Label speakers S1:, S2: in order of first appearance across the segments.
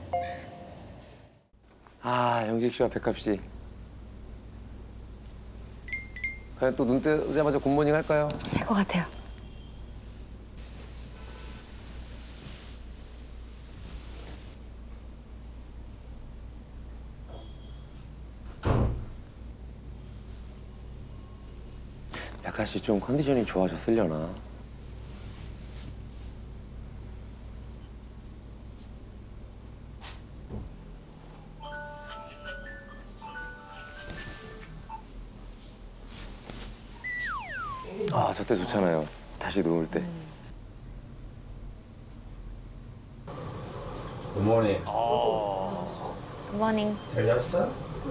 S1: 아, 영식 씨와 백합 씨. 과연 또 눈 뜨자마자 굿모닝 할까요?
S2: 될 것 같아요.
S1: 백합 씨 좀 컨디션이 좋아졌으려나? 아, 저 때 좋잖아요. 다시 누울 때.
S3: 굿모닝.
S2: 굿모닝.
S3: 잘 잤어?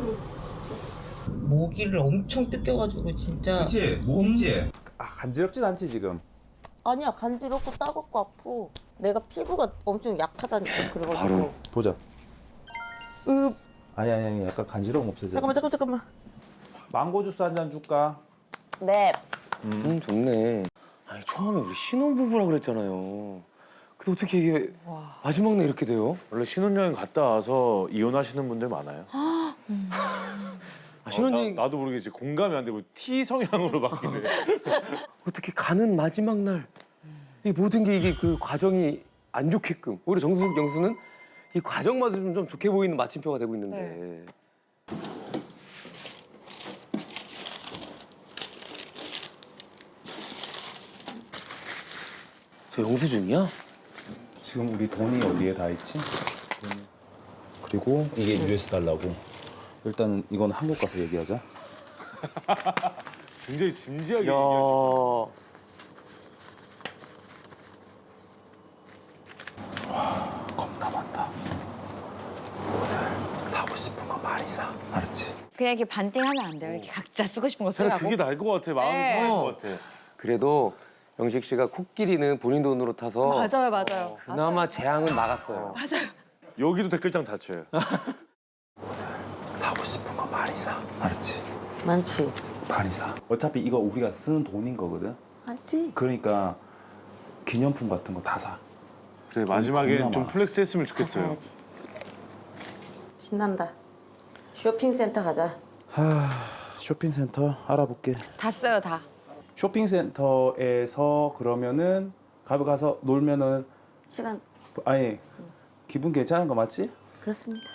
S4: 모기를 엄청 뜯겨가지고 진짜.
S3: 그치? 목이지? 아 간지럽진 않지 지금?
S4: 아니야, 간지럽고 따갑고 아프. 내가 피부가 엄청 약하다니까. 그래가지고.
S1: 바로.
S3: 보자.
S4: 으,
S3: 아니 약간 간지러움 없어져.
S4: 잠깐만.
S3: 망고 주스 한 잔 줄까?
S4: 네.
S1: 좋네. 아니, 처음에 우리 신혼부부라 그랬잖아요. 근데 어떻게 이게 마지막 날 이렇게 돼요?
S5: 원래 신혼여행 갔다 와서 이혼하시는 분들 많아요.
S1: 아, 신혼여행
S5: 나도 모르게 이제 공감이 안 되고 T 성향으로 바뀌네.
S1: 어떻게 가는 마지막 날 이 모든 게 이게 그 과정이 안 좋게끔 오히려 정숙 영수는 이 과정마저 좀 좋게 보이는 마침표가 되고 있는데 저 영수증이야?
S3: 지금 우리 돈이 어디에 다 있지? 그리고 이게 US 달러고. 일단은 이건 한국 가서 얘기하자.
S5: 굉장히 진지하게
S1: 야
S5: 얘기하시네.
S3: 겁나 많다. 오늘 사고 싶은 거 많이 사. 알았지?
S2: 그냥 이렇게 반띵하면 안 돼요. 이렇게 각자 쓰고 싶은 거
S5: 차라리
S2: 쓰라고.
S5: 그게 나을 것 같아. 마음이
S2: 네.
S5: 편할 것 같아.
S1: 그래도 영식 씨가 코끼리는 본인 돈으로 타서
S2: 맞아요.
S1: 그나마 재앙은 막았어요.
S5: 여기도 댓글장 닫혀요.
S3: 사고 싶은 거 많이 사. 알았지?
S4: 많지.
S3: 많이 사. 어차피 이거 우리가 쓰는 돈인 거거든.
S4: 많지.
S3: 그러니까 기념품 같은 거 다 사.
S5: 그래 마지막에
S3: 겁나
S5: 좀
S3: 많아.
S5: 플렉스 했으면
S4: 다
S5: 좋겠어요.
S4: 사야지. 신난다. 쇼핑센터 가자.
S3: 쇼핑센터 알아볼게.
S2: 다 써요, 다.
S3: 쇼핑센터에서 그러면은 가서 놀면은
S4: 시간
S3: 아니 기분 괜찮은 거 맞지?
S4: 그렇습니다.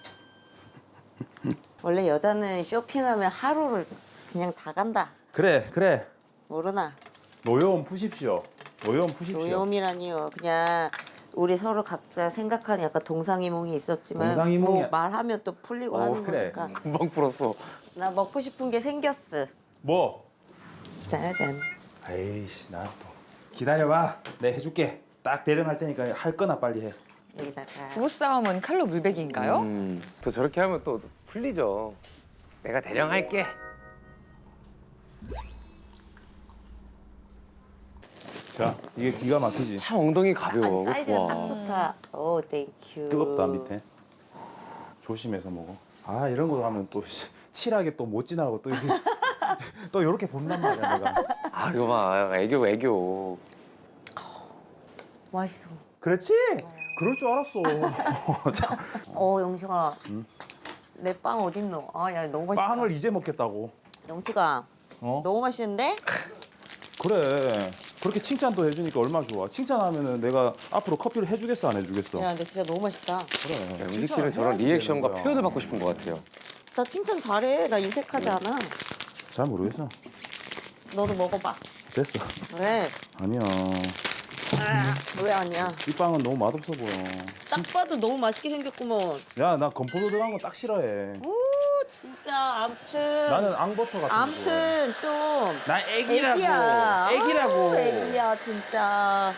S4: 원래 여자는 쇼핑하면 하루를 그냥 다 간다.
S3: 그래
S4: 모르나?
S3: 노여움 푸십시오. 노여움 푸십시오.
S4: 노염이라니요. 그냥 우리 서로 각자 생각하는 약간 동상이몽이 있었지만
S3: 동상이몽이-
S4: 뭐 말하면 또 풀리고 하는
S3: 그래.
S4: 거니까.
S1: 금방 풀었어.
S4: 나 먹고 싶은 게 생겼어.
S3: 뭐?
S4: 짜잔.
S3: 에이씨 나 또 기다려봐. 내 해줄게. 딱 대령할 테니까 할 거나 빨리 해.
S4: 여기다가
S2: 부부싸움은 칼로 물베기인가요?
S1: 또 저렇게 하면 또 풀리죠. 내가 대령 할게.
S3: 자 이게 기가 막히지.
S1: 참 엉덩이 가벼워. 그거
S4: 사이즈가 딱
S1: 좋아.
S4: 좋다. 오, 땡큐.
S3: 뜨겁다 밑에. 조심해서 먹어. 아 이런 거 하면 또 칠하게 또 못 지나고 또 이렇게 또 이렇게 본단 말이야 내가.
S1: 아 이거 봐 애교.
S4: 맛있어.
S3: 그렇지? 그럴 줄 알았어. 자,
S4: 영식아. 내 빵 어딨노? 아, 야, 너무 맛있다.
S3: 빵을 이제 먹겠다고.
S4: 영식아,
S3: 어?
S4: 너무 맛있는데?
S3: 그래. 그렇게 칭찬도 해주니까 얼마나 좋아. 칭찬하면은 내가 앞으로 커피를 해주겠어 안 해주겠어?
S4: 야, 근데 진짜 너무 맛있다.
S3: 그래.
S1: 영식 씨는 저런 리액션과 표현을 받고 싶은 것 같아요.
S4: 나 칭찬 잘해. 나 인색하지 않아.
S3: 잘 모르겠어.
S4: 너도 먹어봐.
S3: 됐어.
S4: 왜?
S3: 아니야.
S4: 왜 아니야?
S3: 이 빵은 너무 맛없어 보여.
S4: 딱 봐도 너무 맛있게 생겼구먼.
S3: 야, 나 건포도 들어간 거 딱 싫어해.
S4: 오, 진짜. 암튼.
S3: 나는 앙버터 같은 거.
S4: 암튼 좀.
S3: 나 애기라고.
S4: 애기야.
S3: 애기라고.
S4: 아우, 애기야, 진짜.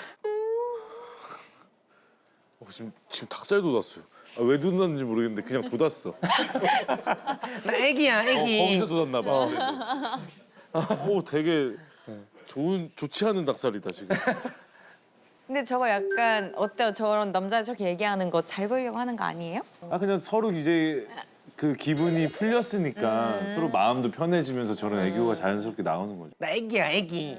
S5: 지금 닭살 돋았어요. 아, 왜 돋았는지 모르겠는데 그냥 돋았어.
S1: 나 애기야
S5: 거기서 돋았나 봐. 오 되게 좋지 않은 닭살이다 지금.
S2: 근데 저거 약간 어때요? 저런 남자 저렇게 얘기하는 거 잘 보이려고 하는 거 아니에요?
S5: 아 그냥 서로 이제 그 기분이 풀렸으니까 서로 마음도 편해지면서 저런 애교가 자연스럽게 나오는 거죠.
S1: 나 애기야 애기.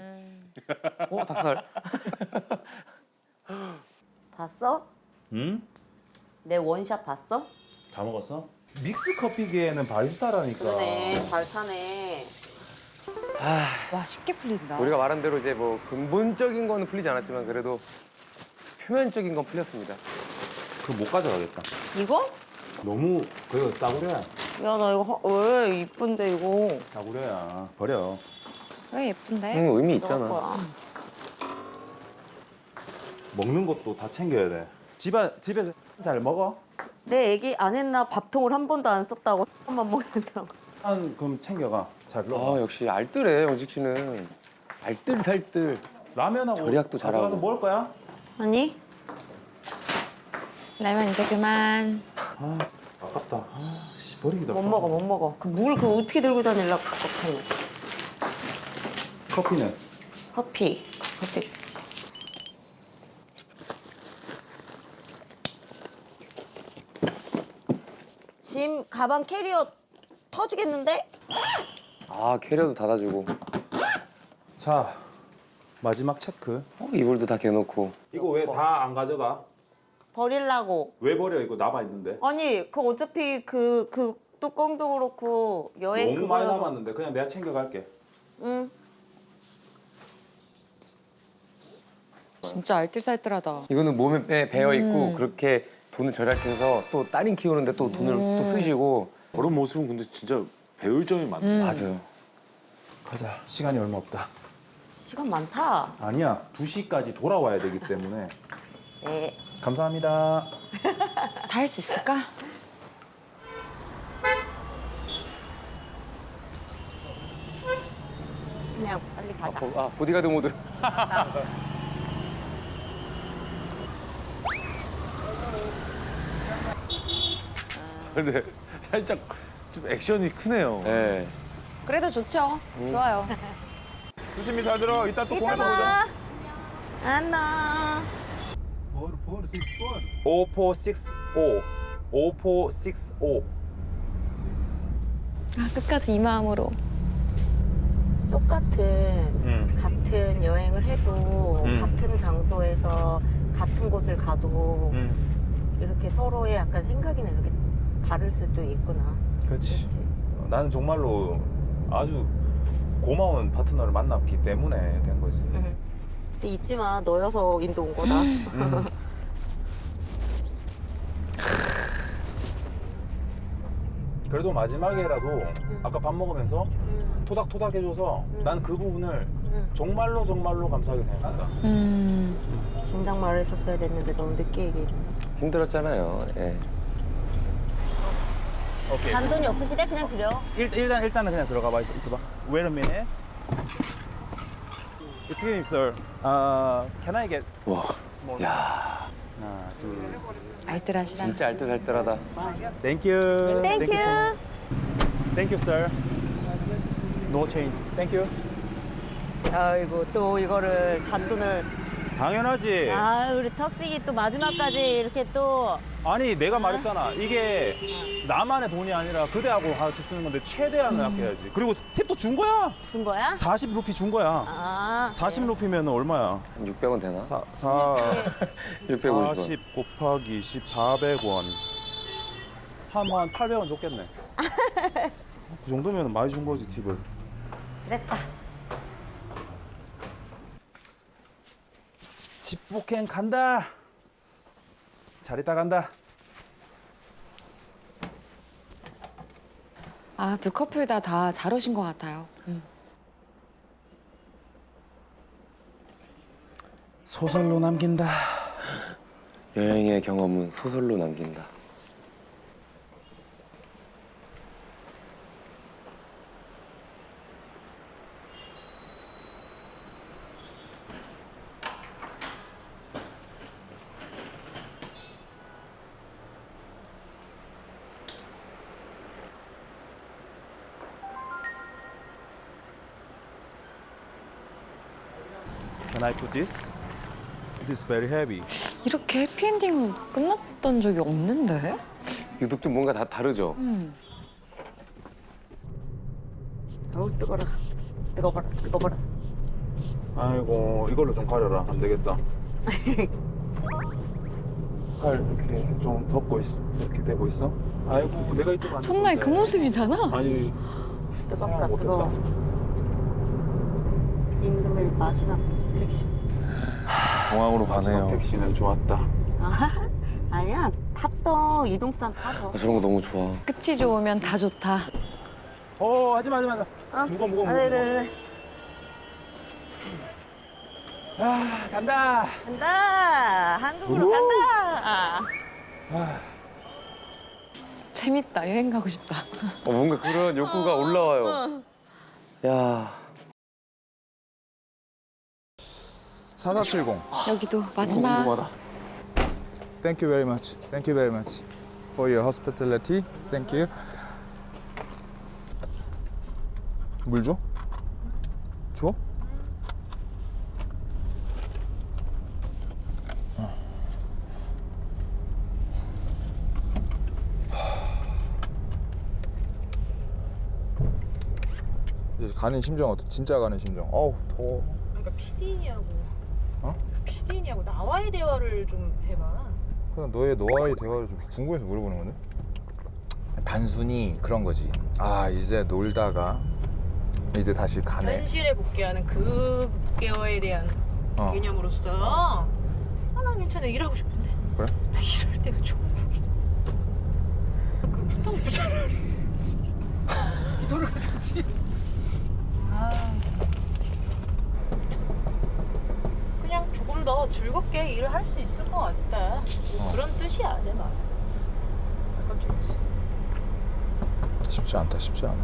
S1: 닭살.
S4: 봤어?
S3: 응?
S4: 내 원샷 봤어?
S3: 다 먹었어? 믹스 커피기에는 바리스타라니까.
S4: 그러네. 잘 차네.
S2: 와 쉽게 풀린다.
S1: 우리가 말한 대로 이제 뭐 근본적인 거는 풀리지 않았지만 그래도 표면적인 건 풀렸습니다.
S3: 그거 못 가져가겠다.
S4: 이거?
S3: 너무 그거 싸구려야.
S4: 야, 나 이거 왜 이쁜데 이거?
S3: 싸구려야. 버려.
S2: 왜 예쁜데?
S1: 응, 의미
S4: 너가
S1: 있잖아.
S4: 거야.
S3: 먹는 것도 다 챙겨야 돼. 집에서 잘 먹어?
S4: 내 애기 안 했나 밥통을 한 번도 안 썼다고 한번 먹는다고.
S3: 한 그럼 챙겨가. 잘 먹어.
S1: 아, 역시 알뜰해, 영식 씨는. 알뜰살뜰.
S3: 라면하고
S1: 절약도 잘하고.
S3: 가져가서 먹을 거야?
S4: 아니?
S2: 라면 이제 그만.
S3: 아 아깝다. 아, 씨, 버리기도
S4: 못
S3: 아까워.
S4: 먹어, 못 먹어. 그 물 그거 어떻게 들고 다니려고 걱정해.
S3: 커피는?
S4: 커피. 커피 줄게. 짐, 가방, 캐리어 터지겠는데?
S1: 아, 캐리어도 닫아주고.
S3: 자 마지막 체크.
S1: 이불도 다 개놓고.
S3: 이거 왜 다 안 가져가?
S4: 버릴라고.
S3: 왜 버려? 이거 남아 있는데.
S4: 아니, 그 어차피 그 뚜껑도 그렇고 여행
S3: 너무 많이
S4: 그거여서.
S3: 남았는데 그냥 내가 챙겨갈게.
S4: 응.
S2: 진짜 알뜰살뜰하다.
S1: 이거는 몸에 배어 있고 그렇게 돈을 절약해서 또 따님 키우는데 또 돈을 또 쓰시고.
S5: 저런 모습은 근데 진짜 배울 점이 많다.
S1: 맞아요.
S3: 가자. 시간이 얼마 없다.
S4: 시간 많다.
S3: 아니야. 2시까지 돌아와야 되기 때문에.
S4: 네.
S3: 감사합니다.
S2: 다 할 수 있을까?
S4: 그냥 빨리 가자.
S1: 보디가드 모드.
S5: 근데 살짝 좀 액션이 크네요.
S1: 네.
S2: 그래도 좋죠. 좋아요.
S3: 조심히 잘 들어. 이따 또
S4: 이따 봐. 안녕.
S3: 5465. 5465.
S2: 아 끝까지 이 마음으로.
S4: 똑같은 같은 여행을 해도 같은 장소에서 같은 곳을 가도 이렇게 서로의 약간 생각이나 이렇게 다를 수도 있구나.
S3: 그렇지.
S4: 그렇지.
S3: 나는 정말로 아주 고마운 파트너를 만났기 때문에 된 거지.
S4: 근데 잊지 마, 너여서 인도 온 거다.
S3: 그래도 마지막에라도 아까 밥 먹으면서 토닥토닥 해줘서 난 그 부분을 정말로 정말로 감사하게 생각한다.
S4: 진작 말했었어야 됐는데 너무 늦게 얘기해.
S1: 힘들었잖아요. 예.
S3: 오케이.
S4: 단돈이 없으시대? 그냥 드려.
S3: 일단은 그냥 들어가 봐. 있어봐. Wait a minute. Excuse me, sir. Can I get
S1: 와,
S3: small?
S1: 야,
S3: 하나, 둘.
S2: 알뜰하시다.
S1: 진짜 알뜰살뜰하다.
S3: Thank you.
S4: 땡큐.
S3: Thank you, sir. No change. Thank you.
S4: 아이고, 또 이거를 잔돈을.
S3: 당연하지.
S4: 아, 우리 턱식이 또 마지막까지 이렇게 또.
S3: 아니 내가 말했잖아. 이게 나만의 돈이 아니라 그대하고 같이 쓰는 건데 최대한을 아껴야지. 그리고 팁도 준 거야.
S4: 준 거야?
S3: 40루피 준 거야.
S4: 아.
S3: 40루피면 얼마야?
S1: 한 600원 되나? 650원.
S3: 40 곱하기 20, 400원. 한 800원 줬겠네. 그 정도면 많이 준 거지, 팁을.
S4: 그랬다.
S3: 집복행 간다. 잘 있다 간다.
S2: 아 두 커플 다 잘 오신 것 같아요.
S3: 소설로 남긴다.
S1: 여행의 경험은 소설로 남긴다.
S3: Can I put this? It is very heavy.
S2: 이렇게 해피엔딩으로 끝났던 적이 없는데?
S1: 유독 좀 뭔가 다 다르죠?
S4: 어우, 뜨거라. 뜨거워라, 뜨거워라.
S3: 아이고 이걸로 좀 가려라. 안 되겠다. 팔 이렇게 좀 덮고 있어. 이렇게 되고 있어. 아이고 내가 이쪽 안
S2: 첫날 그 모습이잖아.
S3: 아니
S4: 뜨겁다,
S3: 생각
S4: 뜨거워.
S3: 못했다.
S4: 인도의 마지막 택시.
S5: 공항으로
S3: 마지막
S5: 가네요.
S3: 택시는 좋았다.
S4: 아니야, 탔던 이동수단 타죠.
S1: 아, 저런 거 너무 좋아.
S2: 끝이 좋으면 다 좋다.
S3: 하지마. 무거워.
S4: 네네네.
S3: 간다.
S4: 간다! 한국으로 간다!
S2: 재밌다. 여행 가고 싶다.
S1: 뭔가 그런 욕구가 올라와요. 야.
S6: 4470.
S2: 여기도 마지막.
S1: 궁금하다.
S6: Thank you very much. Thank you very much for your hospitality. Thank you. 물 줘? 줘? 이제 가는 심정 어때? 진짜 가는 심정. 어우 더워.
S7: 그러니까 피디인이하고
S6: 어?
S7: 피디인이하고 나와의 대화를 좀 해봐.
S6: 그냥 너와의 대화를 좀 궁금해서 물어보는 건데. 단순히 그런 거지. 아 이제 놀다가 이제 다시 가네.
S7: 현실에 복귀하는 그거에 대한
S6: 어.
S7: 개념으로서 난 괜찮아. 일하고 싶은데
S6: 그래?
S7: 나 일할 때가 천국이야. 그 후탕 차라리 돌아가든지. 그냥 조금 더 즐겁게 일을 할 수 있을 것 같다. 뭐 그런 뜻이야 내 말. 깜짝이야.
S6: 쉽지 않다. 쉽지 않아.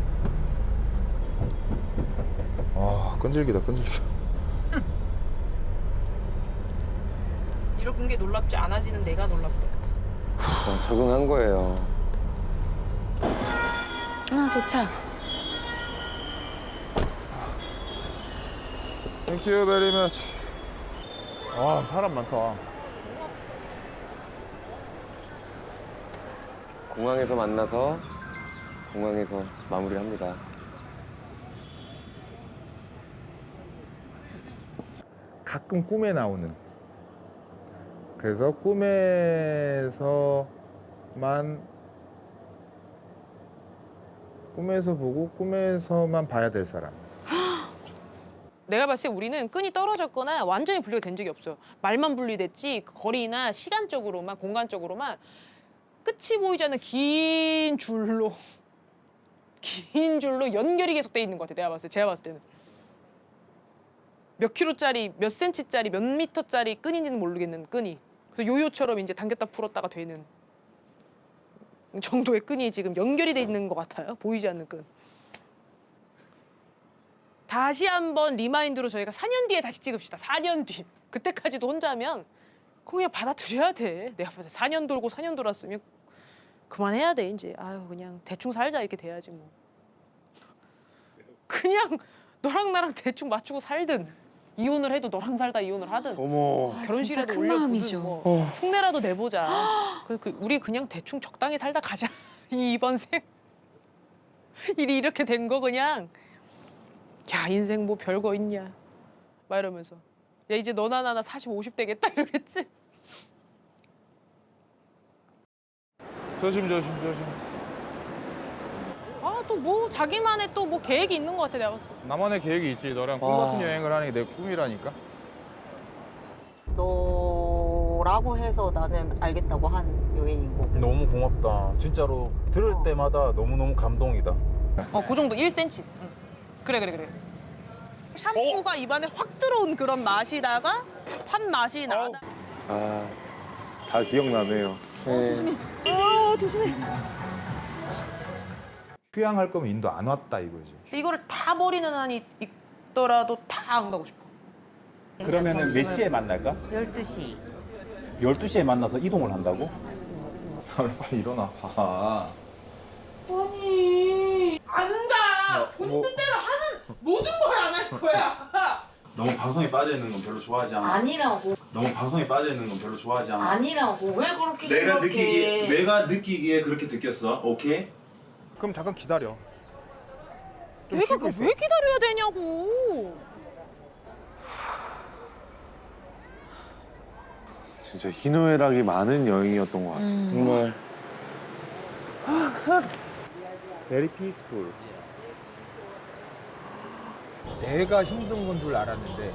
S6: 아 끈질기다.
S7: 이런 게 놀랍지 않아지는 내가 놀랍다.
S1: 적응한 거예요.
S2: 도착.
S6: Thank you very much. 아 사람 많다.
S1: 공항에서 만나서 공항에서 마무리를 합니다.
S6: 가끔 꿈에 나오는. 그래서 꿈에서 보고 꿈에서만 봐야 될 사람.
S7: 내가 봤을 때 우리는 끈이 떨어졌거나 완전히 분리가 된 적이 없어요. 말만 분리됐지 그 거리나 시간적으로만 공간적으로만 끝이 보이지 않는 긴 줄로 연결이 계속 돼 있는 것 같아. 제가 봤을 때는 몇 킬로짜리, 몇 센치짜리, 몇 미터짜리 끈인지는 모르겠는 끈이. 그래서 요요처럼 이제 당겼다 풀었다가 되는 정도의 끈이 지금 연결이 돼 있는 것 같아요. 보이지 않는 끈. 다시 한번 리마인드로 저희가 4년 뒤에 다시 찍읍시다. 4년 뒤. 그때까지도 혼자면 그냥 받아들여야 돼. 내가 봤을 때 4년 돌고 4년 돌았으면 그만해야 돼 이제. 아유 그냥 대충 살자 이렇게 돼야지 뭐. 그냥 너랑 나랑 대충 맞추고 살든 이혼을 해도 너랑 살다 이혼을 하든
S1: 어머.
S7: 결혼식이라도
S2: 큰
S7: 올려보든
S2: 마음이죠.
S7: 뭐 흉내라도 내보자. 우리 그냥 대충 적당히 살다 가자. 이번 생 일이 이렇게 된 거 그냥 야 인생 뭐 별거 있냐 막 이러면서 야 이제 너나 나나 40, 50 되겠다 이러겠지.
S6: 조심.
S7: 아 또 뭐 자기만의 또 뭐 계획이 있는 것 같아 내가 봤을 때.
S6: 나만의 계획이 있지. 너랑 꿈
S1: 와.
S6: 같은 여행을 하는 게 내 꿈이라니까.
S4: 너라고 해서 나는 알겠다고 한 여행이고.
S3: 너무 고맙다. 진짜로 들을 때마다 너무너무 감동이다.
S7: 그 정도 1cm. 응. 그래. 샴푸가 입안에 확 들어온 그런 맛이다가 판 맛이 나다.
S5: 다 기억나네요.
S1: 네.
S6: 휴양할 거면 인도 안 왔다 이거지.
S7: 이거를 다 버리는 한이 있더라도 다 안 가고 싶어.
S3: 그러면은 몇 시에 만날까?
S4: 12시.
S3: 12시에 만나서 이동을 한다고?
S6: 빨리 일어나. 봐.
S7: 아니 안 가. 본인 뜻대로 하는 모든 걸 안 할 거야.
S3: 너무 방송에 빠져 있는 건 별로 좋아하지 않아.
S4: 아니라고.
S3: 너무 방송에 빠져 있는 건 별로 좋아하지 않아.
S4: 아니라고. 왜 그렇게 생각해?
S3: 내가 느끼기에 그렇게 느꼈어. 오케이?
S6: 그럼 잠깐 기다려. 좀
S7: 내가
S6: 쉬고
S7: 그
S6: 있어.
S7: 왜 기다려야 되냐고.
S5: 진짜 희노애락이 많은 여행이었던 것 같아요.
S1: 정말
S3: Very peaceful.
S6: 내가 힘든 건 줄 알았는데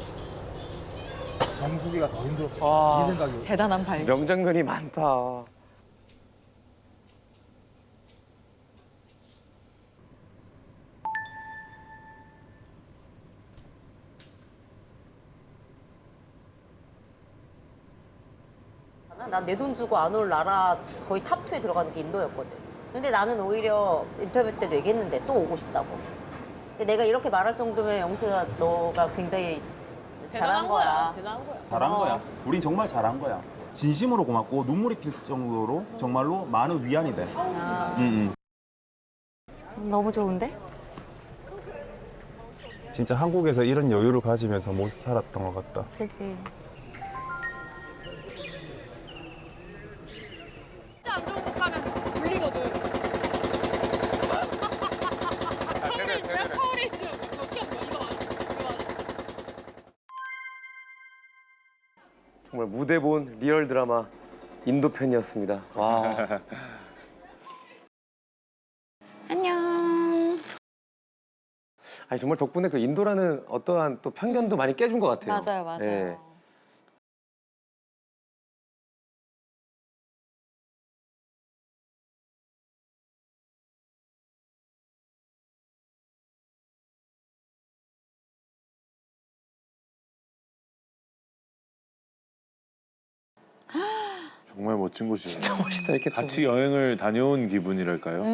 S6: 정수기가 더 힘들었다.
S1: 아.
S6: 이 생각이.
S2: 대단한 발견.
S1: 명장면이 많다.
S4: 난 내 돈 주고 안 올 나라 거의 탑2에 들어가는 게 인도였거든. 근데 나는 오히려 인터뷰 때도 얘기했는데 또 오고 싶다고. 근데 내가 이렇게 말할 정도면 영식아 너가 굉장히 잘한 거야.
S7: 대단한 거야.
S3: 잘한 거야. 우린 정말 잘한 거야. 진심으로 고맙고 눈물이 필 정도로 정말로 많은 위안이 돼.
S4: 너무 좋은데?
S3: 진짜 한국에서 이런 여유를 가지면서 못 살았던 것 같다.
S4: 그치.
S7: 안 좋은 곳 가면 불리거든. 파워레인저 이거 키웠어. 이거 맞아.
S1: 정말 무대 본 리얼 드라마 인도 편이었습니다. 와.
S2: 안녕.
S1: 아니 정말 덕분에 그 인도라는 어떠한 또 편견도 많이 깨준 것 같아요.
S2: 맞아요, 맞아요.
S1: 네.
S5: 정말 멋진 곳이에요.
S1: 진짜 멋있다 이렇게 또.
S5: 같이 여행을 다녀온 기분이랄까요?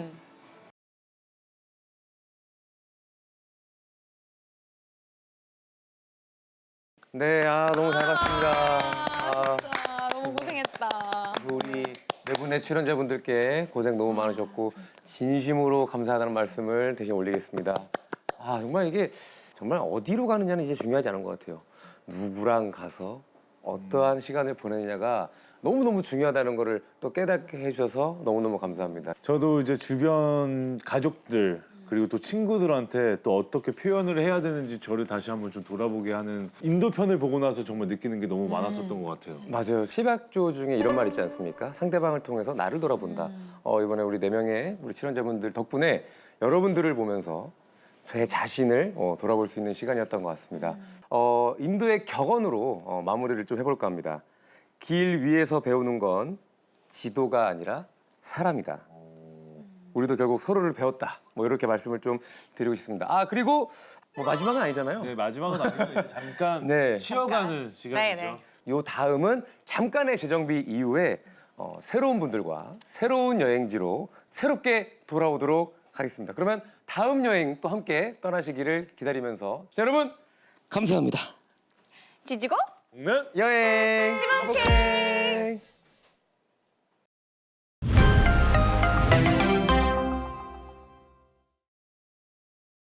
S1: 네, 너무 잘 봤습니다.
S2: 진짜 너무 고생했다.
S1: 우리 네 분의 출연자분들께 고생 너무 많으셨고 진심으로 감사하다는 말씀을 대신 올리겠습니다. 정말 이게 정말 어디로 가느냐는 이제 중요하지 않은 것 같아요. 누구랑 가서 어떠한 시간을 보내느냐가 너무너무 중요하다는 거를 또 깨닫게 해주셔서 너무너무 감사합니다.
S5: 저도 이제 주변 가족들 그리고 또 친구들한테 또 어떻게 표현을 해야 되는지 저를 다시 한번 좀 돌아보게 하는 인도 편을 보고 나서 정말 느끼는 게 너무 많았었던 것 같아요.
S1: 맞아요. 십약조 중에 이런 말 있지 않습니까? 상대방을 통해서 나를 돌아본다. 이번에 우리 4명의 우리 출연자분들 덕분에 여러분들을 보면서 제 자신을 돌아볼 수 있는 시간이었던 것 같습니다. 인도의 격언으로 마무리를 좀 해볼까 합니다. 길 위에서 배우는 건 지도가 아니라 사람이다. 우리도 결국 서로를 배웠다. 뭐 이렇게 말씀을 좀 드리고 싶습니다. 그리고 뭐 마지막은 아니잖아요.
S5: 네, 마지막은 아니고 이제 잠깐
S1: 네.
S5: 쉬어가는 시간이죠.
S2: 네네.
S1: 요 다음은 잠깐의 재정비 이후에 새로운 분들과 새로운 여행지로 새롭게 돌아오도록 하겠습니다. 그러면 다음 여행 또 함께 떠나시기를 기다리면서 자, 여러분 감사합니다.
S2: 지지고
S5: 공면
S1: 여행 행복해.